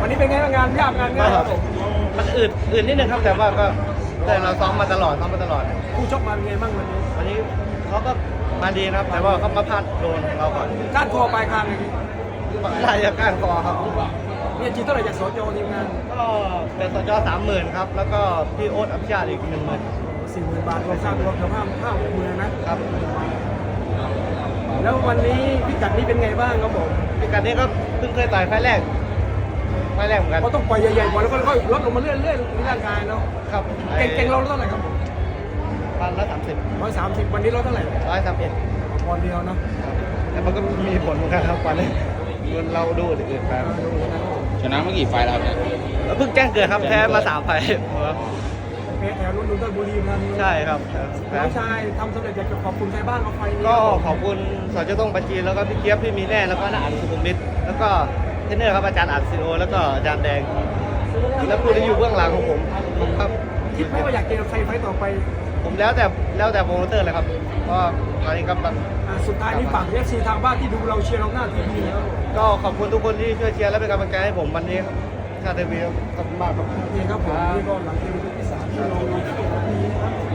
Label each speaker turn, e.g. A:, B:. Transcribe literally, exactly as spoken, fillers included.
A: วันนี้เป็นไงบ้างงานยากงานง่ายครับผม
B: มันอืดอืดนิดนึงครับแต่ว่าก็แต่เราซ้อมมาตลอดซ้อมมาตลอด
A: ผู้ชกมาเป็นไงบ้างวันนี้
B: วันนี้เขาก็มาดีนะครับ แต่ว่าเขามาพลาดโดนเราก่อน
A: ก้านคอปลายคางอย่างนี้
B: ได้จากก้านคอครับ
A: เนี่ยจีนเท่าไหร่จากสจทีมงาน
B: ก็เป็นสจสามหมื่นครับแล้วก็พี่โอ๊ตอภิชาติอีกหนึ่งหมื่น
A: สี่หมื่นบาทรวมค่ารวมกับห้าห้าหกหมื่นนะครับ แล้ววันนี้พิกัดนี้เป็นไงบ้างครับผม
B: พิกัดนี้ก็เพิ่งเคยต่อยไฟล์แรกไฟล์แรกเหมือนกัน
A: เขาต้องปล่อยใหญ่ๆก่อนแล้วก็ค่อยลดลงมาเรื่อยๆในร่างกายเนาะ
B: ครับ
A: เก่งเก่งเราเท่าไหร่ครับผม
B: พันละสามสิบ
A: ร้อยสามสิบวันนี้เราเท่าไหร่
B: ร้อยสามเอ็ด
A: ปอนด์เดียวเนาะ
B: แต่มันก็มีผลเหมือนกันครับวันนี้เราดูอื่นๆไป
C: ชนะเมื่อกี่ไฟล์แล้วครับเนี่ย
B: แล้วเพิ่งแจ้งเกิดครับแพ้มาสามไฟล์
A: เพชรแถวรุ่นรุ่นต้นบุรีมา
B: ใช่ครับแพ้
A: น้องชายทำสำเร็จอยากจะขอบคุณใครบ้างเอาไฟนี้
B: ก็ขอบคุณสจต้องปัจจีนแล้วก็พี่เกียบพี่มีแน่แล้วก็น้าอันสุขุมวิทแล้วก็เทรนเนอร์ครับอาจารย์อัดซีโอแล้วก็อาจารย์แดงแล้วผู้ที่อยู่เบื้องหลังของผมครับ
A: คิดไหมว่าอยากเจอใครไฟต่อไป
B: ผมแล้วแต่แล้วแต่โปรโมเตอร์เลยครับเพราะตอนนี้ก็แบบ
A: อ่าสุดท้ายนี้ฝากเอฟซีทางบ้านที่ดูเราเชียร์เราหน้าทีวีนะครับ
B: ก็ขอบคุณทุกคนที่ช่วยเชียร์และเป็นกำลังใจให้ผมวันนี้ครับชาติทีวีครับขอบคุณมากครับ
A: โอเคครับผมนี่ก็หลังเกมที่สามที่เราเราที่ตรงนี้นะครับ